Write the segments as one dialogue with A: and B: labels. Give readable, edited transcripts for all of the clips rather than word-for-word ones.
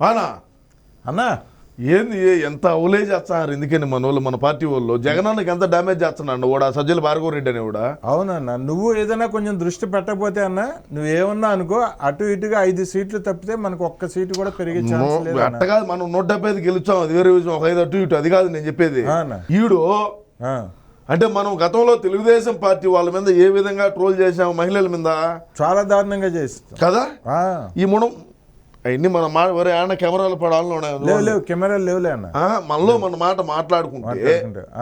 A: అనా
B: అన్నా
A: ఏంది ఎంత అవులే చేస్తున్నారు ఎందుకని మన వాళ్ళు మన పార్టీ వాళ్ళు జగనానికి ఎంత డ్యామేజ్ చేస్తున్నాడు కూడా సజ్జల భార్గవరెడ్డి అని కూడా.
B: అవునన్నా, నువ్వు ఏదైనా కొంచెం దృష్టి పెట్టకపోతే అన్నా నువ్వేమన్నా అనుకో, అటు ఇటుగా 5 సీట్లు తప్పితే మనకు ఒక్క సీటు కూడా పెరిగే ఛాన్స్ లేదు.
A: అట్ట కాదు, మనం 175 గెలుచాం, అది వేరే విషయం. ఒక 5 అటు ఇటు అది కాదు నేను చెప్పేది. ఈడు అంటే మనం గతంలో తెలుగుదేశం పార్టీ వాళ్ళ మీద ఏ విధంగా ట్రోల్ చేసాము, మహిళల మీద
B: చాలా దారుణంగా చేస్తాం
A: కదా. ఈ మనం అవన్నీ మన మాట వరే అన్న కెమెరాలు పడాలను
B: లేవు, కెమెరాలు లేవులే అన్న.
A: మనలో మన మాట మాట్లాడుకుంటే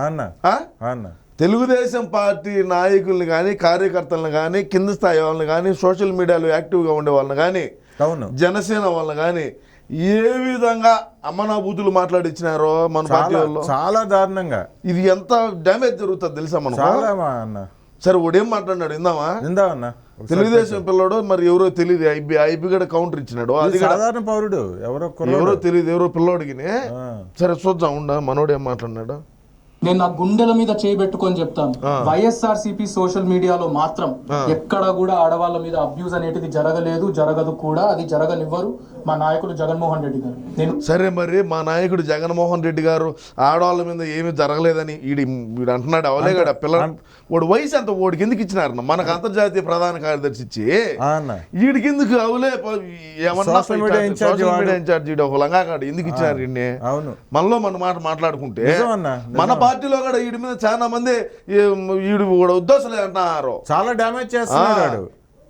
A: తెలుగుదేశం పార్టీ నాయకుల్ని కానీ కార్యకర్తలను కానీ కింద స్థాయి వాళ్ళని కానీ సోషల్ మీడియాలో యాక్టివ్గా ఉండే వాళ్ళని కానీ జనసేన వాళ్ళని కానీ ఏ విధంగా అమ్మనాభూతులు మాట్లాడిచ్చినారో మన పార్టీ వాళ్ళు
B: చాలా దారుణంగా.
A: ఇది ఎంత డ్యామేజ్ జరుగుతుంది తెలుసా మనం.
B: అన్న
A: సరే వాడేం మాట్లాడినాడు
B: విందామన్నా.
A: తెలుగుదేశం పిల్లడు మరి ఎవరో తెలియదు, ఐబీ కూడా కౌంటర్ ఇచ్చినాడు. అది
B: సాధారణ పౌరుడు
A: ఎవరో తెలియదు, ఎవరో పిల్లోడికి. సరే చూద్దాం ఉండ మనోడు ఏం మాట్లాడినాడు.
C: నేను నా గుండెల మీద చేయబెట్టుకొని చెప్తాను, వైఎస్ఆర్సీపీ సోషల్ మీడియాలో మాత్రం ఎక్కడ కూడా ఆడవాళ్ళ మీద అబ్యూజ్ అనేటిది జరగలేదు, జరగదు కూడా, అది జరగనివ్వరు మా నాయకుడు జగన్మోహన్ రెడ్డి గారు. నేను
A: సరే మరి మా నాయకుడు జగన్మోహన్ రెడ్డి గారు ఆడవాళ్ళ మీద ఏమీ జరగలేదని వీడు అంటున్నాడు. అవలేగాడు పిల్ల వాడు వయసు అంత వాడికి ఎందుకు ఇచ్చినారు, మనకు అంతర్జాతీయ ప్రధాన కార్యదర్శి ఇచ్చి వీడికి ఎందుకు అవలే ఏమన్నా సోషల్ మీడియా ఇన్ఛార్జ్ ఒక లంగాకాడు ఎందుకు ఇచ్చినారు ఇన్ని. మనలో మన మాట మాట్లాడుకుంటే మన పార్టీలో కూడా వీడి మీద చాలా మంది వీడు కూడా ఉద్దేశాలు అంటున్నారు,
B: చాలా డ్యామేజ్ చేస్తున్నాడు.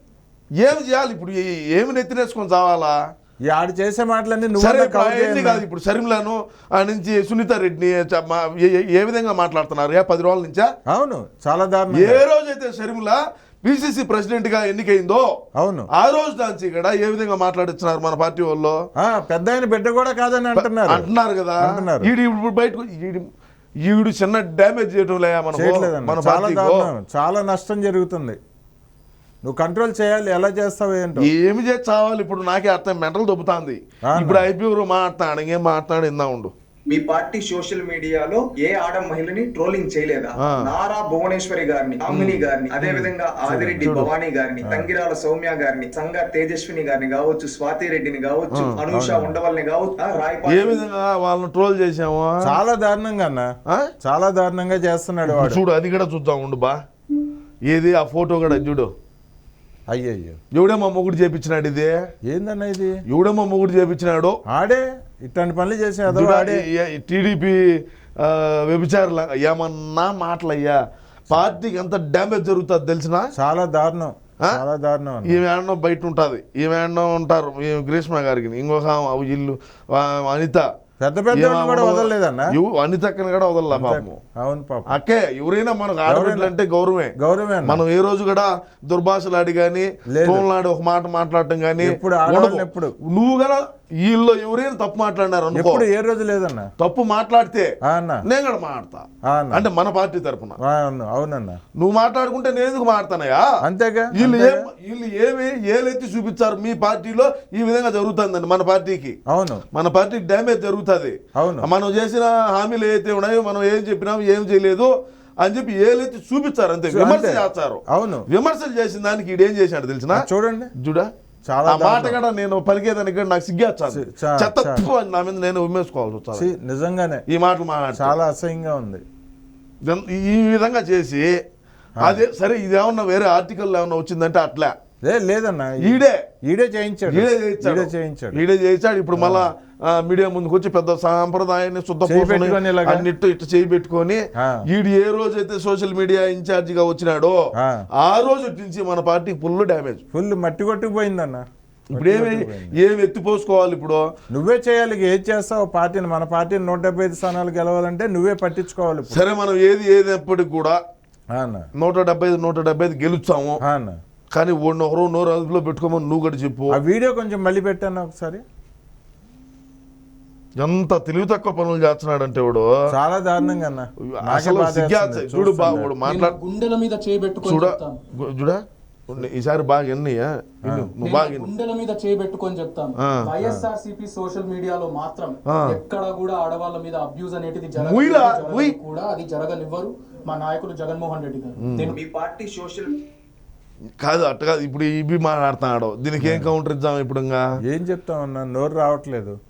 A: ఏమి చేయాలి ఇప్పుడు, ఏమి నెత్తినేసుకొని చావాలా?
B: ఆడు చేసే మాటలన్నీ
A: కాదు. ఇప్పుడు షర్మిలను ఆ నుంచి సునీత రెడ్డిని ఏ విధంగా మాట్లాడుతున్నారు 10 రోజుల నుంచా.
B: అవును, చాలా దారుణం.
A: ఏ రోజైతే షర్మిల పిసిసి ప్రెసిడెంట్ గా ఎన్నికైందో
B: అవును ఆ
A: రోజు దాంచి ఇక్కడ ఏ విధంగా మాట్లాడిస్తున్నారు మన పార్టీ వాళ్ళు.
B: పెద్ద ఆయన బిడ్డ కూడా కాదని
A: అంటున్నారు కదా. ఇప్పుడు బయటకు ఈడు చిన్న డ్యామేజ్ చేయడం లేదా మన
B: చాలా నష్టం జరుగుతుంది. నువ్వు కంట్రోల్ చేయాలి, ఎలా చేస్తావు ఏంటో.
A: ఏమి చేసి చావాలి ఇప్పుడు, నాకే అర్థం మెంటల్ దొబ్బుతాంది. ఇప్పుడు ఐపీఓ మాట్లాడు ఇంకేం మాట్లాడు ఇందా ఉండు.
D: మీ పార్టీ సోషల్ మీడియాలో ఏ ఆడ మహిళని ట్రోలింగ్ చేయలేదా? నారా భువనేశ్వరి గారిని, అమ్మిని గారిని, అదే విధంగా ఆదిరెడ్డి భవానీ గారిని, తంగిరాల సౌమ్య గారిని, సంగ తేజస్విని గారిని కావచ్చు, స్వాతి రెడ్డిని కావచ్చు, అనూష ఉండవల్ని కావచ్చు,
A: ఏ విధంగా వాళ్ళని ట్రోల్ చేసాము.
B: చాలా దారుణంగా అన్న, చాలా దారుణంగా చేస్తున్నాడు వాడు.
A: చూడు అది కూడా చూద్దాం ఉండు బా. ఏది ఆ ఫోటో కూడా చూడు.
B: అయ్యయ్యో,
A: ఎవడేమో మొగుడు చేపించినాడు. ఇది
B: ఏందన్నా, ఇది
A: ఎవడేమో మొగుడు చేపించినాడు.
B: ఆడే ఇట్లాంటి పనులు చేసేది.
A: టీడీపీ వ్యభిచారుల ఏమన్నా మాటలయ్యా, పార్టీకి ఎంత డ్యామేజ్ జరుగుతుంది తెలిసిన.
B: చాలా దారుణం, చాలా దారుణం.
A: ఈమె ఆడనో బయట ఉంటుంది, ఈమె ఆడనో ఉంటారు గ్రీష్మ గారికి, ఇంకొక ఇల్లు అనిత,
B: పెద్ద పెద్ద కూడా వదలలేదన్న.
A: అనితక్కని కూడా వదలలే పాపము.
B: అవును పాపం.
A: అక్కే ఎవరైనా మనకు ఆడబిడ్డలు అంటే గౌరవమే. మనం ఏ రోజు కూడా దుర్భాషలాడి కానీ తోలాడి ఒక మాట మాట్లాడటం కానీ
B: ఎప్పుడు
A: నువ్వు కదా వీళ్ళు ఎవరైనా తప్పు మాట్లాడినారు అనుకో,
B: ఏ రోజు లేదన్న.
A: తప్పు మాట్లాడితే నేను కూడా మాట్లాడతా, అంటే మన పార్టీ తరఫున.
B: అవునన్నా,
A: నువ్వు మాట్లాడుకుంటే నేను ఎందుకు మాట్లాడతానయా?
B: అంతేగా.
A: వీళ్ళు ఏలెత్తి చూపించారు మీ పార్టీలో ఈ విధంగా జరుగుతుందండి మన పార్టీకి.
B: అవును,
A: మన పార్టీకి డ్యామేజ్ జరుగుతుంది.
B: అవును,
A: మనం చేసిన హామీలు ఏదైతే ఉన్నాయో, మనం ఏం చెప్పినాం ఏం చేయలేదు అని చెప్పి ఏలెత్తి చూపించారు, అంతే. విమర్శ చేస్తారు.
B: అవును,
A: విమర్శలు చేసిన దానికి ఈడేం చేశాడు తెలిసిన.
B: చూడండి
A: చూడా, ఆ మాట కూడా నేను పలికేదానికి నాకు సిగ్గేస్తాను. చెత్త నా మీద నేను ఉమ్మేసుకోవాల్సి వచ్చాను
B: నిజంగానే.
A: ఈ మాటలు మాట్లాడి
B: చాలా అసహ్యంగా ఉంది.
A: ఈ విధంగా చేసి అదే సరే, ఇది ఏమన్నా వేరే ఆర్టికల్ ఏమన్నా వచ్చిందంటే అట్లా
B: లేదన్నా, ఈడే చేయించాడు.
A: ఇప్పుడు మళ్ళా మీడియా ముందుకు వచ్చి పెద్ద సాంప్రదాయాన్ని అన్నిట్టు ఇట్లా చేయి పెట్టుకొని ఈడు ఏ రోజైతే సోషల్ మీడియా ఇన్ఛార్జ్ గా వచ్చినాడో ఆ రోజు నుంచి మన పార్టీ ఫుల్ డ్యామేజ్,
B: ఫుల్ మట్టి కొట్టుకుపోయిందన్న.
A: ఇప్పుడు ఏమి ఎత్తిపోసుకోవాలి? ఇప్పుడు
B: నువ్వే చేయాలి. ఏది చేస్తావు పార్టీని, మన పార్టీని 175 స్థానాలు గెలవాలంటే నువ్వే పట్టించుకోవాలి.
A: సరే, మనం ఏదైనప్పటికి కూడా 175 గెలుస్తాము. కానీ ఒకరు నోరు అదుపులో పెట్టుకోమని నువ్వు కూడా చెప్పు.
B: ఆ వీడియో కొంచెం మళ్ళీ పెట్టాను ఒకసారి.
A: ఎంత తెలివి తక్కువ పనులు చేస్తున్నాడంటే వాడు,
B: చాలా దారుణంగా అన్న.
A: చూడు బాగుడు మాట్లాడు,
C: గుండెల మీద చేయబెట్టుకొని
A: చూడా ఈసారి బాగా ఎన్నయ్యా, నువ్వు బాగా
C: గుండెల మీద చేయబెట్టుకొని చెప్తాను, వైఎస్ఆర్సీపీ సోషల్ మీడియాలో మాత్రం ఎక్కడ కూడా ఆడవాళ్ళ మీద అబ్యూజ్ అనేటిది కూడా, అది జరగనివ్వరు మా నాయకుడు జగన్మోహన్ రెడ్డి గారు.
D: మీ పార్టీ సోషల్
A: కాదు అట్ట కాదు. ఇప్పుడు ఇవి మాట్లాడుతున్నాడు, దీనికి ఏం కౌంటర్ ఇద్దాం? ఇప్పుడు
B: ఏం చెప్తామన్నా, నోరు రావట్లేదు.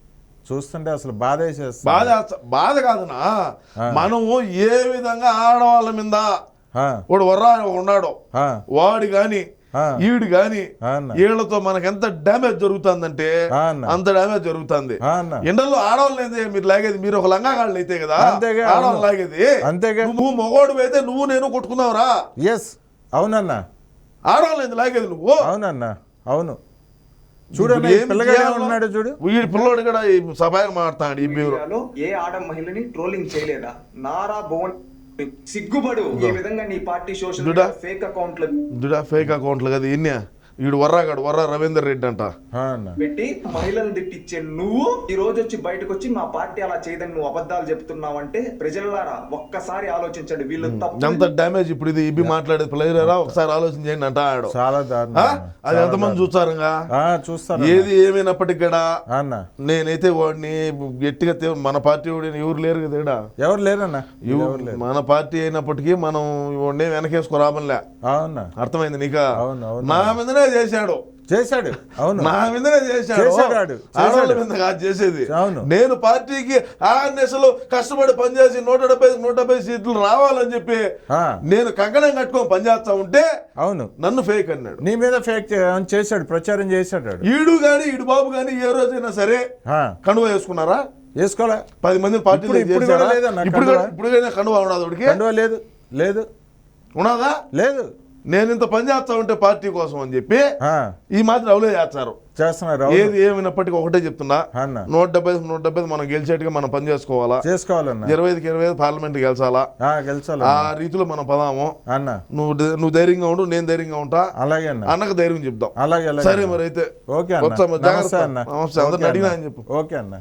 B: చూస్తుంటే అసలు బాధ వేసేస్తుంది.
A: బాధ కాదునా, మనము ఏ విధంగా ఆడవాళ్ళ మీద వాడు వర్రా ఉన్నాడో వాడు గాని ఈడు గాని వీళ్ళతో మనకి ఎంత డ్యామేజ్ జరుగుతుందంటే అంత డ్యామేజ్ జరుగుతుంది. ఎండల్లో ఆడవాళ్ళు అయితే మీరు లాగేది, మీరు ఒక లంగాగాళ్ళు అయితే కదా ఆడవాళ్ళు లాగేది.
B: అంతేగా,
A: నువ్వు మొగోడు అయితే నువ్వు నేను కొట్టుకున్నావురా.
B: ఎస్ అవునన్నా,
A: ఆడవాళ్ళు అయితే లాగేది నువ్వు.
B: అవునన్నా అవును. చూడండి ఉన్నాడు చూడు,
A: వీడి పిల్లోడు కూడా సభాగా మాట్లాడు. ఈ
D: మీడియాలో ఏ ఆడ మహిళని ట్రోలింగ్ చేయలేదా? నారా భువన్ సిగ్గుపడు. ఈ విధంగా నీ పార్టీ సోషల్ మీడియా ఫేక్
A: అకౌంట్లు కదా ఇన్నే. వీడు వర్రా రవీందర్ రెడ్డి అంట
D: పెట్టి మహిళలను తిట్టించే నువ్వు ఈ రోజు వచ్చి బయటకు వచ్చి మా పార్టీ అలా చేయదని నువ్వు అబద్ధాలు చెప్తున్నావంటే ప్రజలారా ఒక్కసారి ఆలోచించండి. వీళ్ళు
A: ఎంత డ్యామేజ్. ఇప్పుడు ఇది ఇబ్బి మాట్లాడేది ప్లేయరా, ఒకసారి ఆలోచించండి అంట ఆడు.
B: చాలా
A: అది ఎంతమంది చూస్తారు ఏది ఏమైనప్పటికీ కూడా. నేనైతే వాడిని గట్టిగా మన పార్టీ వాడిని ఎవరు లేరు కదా,
B: ఎవరు లేరన్నా.
A: మన పార్టీ అయినప్పటికీ మనం వాడిని వెనకేసుకోరామనిలే. అర్థమైంది నీక? నా మీదనే చేశాడు.
B: అవును,
A: నా మీదనే చేశాడు. ఆడవాళ్ళ మీద కాదు చేసేది. నేను పార్టీకి 6 నెలలు కష్టపడి పనిచేసి 170 సీట్లు రావాలని చెప్పి నేను కంకణం కట్టుకొని పనిచేస్తా ఉంటే అవును నన్ను ఫేక్ అన్నాడు.
B: నీ మీద ఫేక్ చేశాడు, ప్రచారం చేశాడు.
A: ఈడు బాబు గాని ఏ రోజైనా సరే కండువ వేసుకున్నారా?
B: వేసుకోలే.
A: 10 మంది పార్టీలో ఇప్పుడు కండువ ఉన్నదా?
B: లేదు.
A: ఉన్నదా?
B: లేదు.
A: నేను ఇంత పని చేస్తా ఉంటే పార్టీ కోసం అని చెప్పి ఈ మాత్రం అవలే చేస్తున్నారు. ఏది ఏమైనప్పటికీ ఒకటే చెప్తున్నా, 170 మనం గెలిచేట్టుగా మనం పని చేసుకోవాలా. 25కి 25 పార్లమెంట్ గెలిచాలా. ఆ రీతిలో మనం పదాము. నువ్వు ధైర్యంగా ఉండు, నేను ధైర్యంగా ఉంటా.
B: అలాగే
A: అన్నకు ధైర్యం చెప్దాం.
B: అలాగే.
A: సరే మరి అయితే
B: ఓకే,
A: జాగ్రత్త. నమస్తే, అందరిని అడిగినా అని చెప్పు.
B: ఓకే అన్న.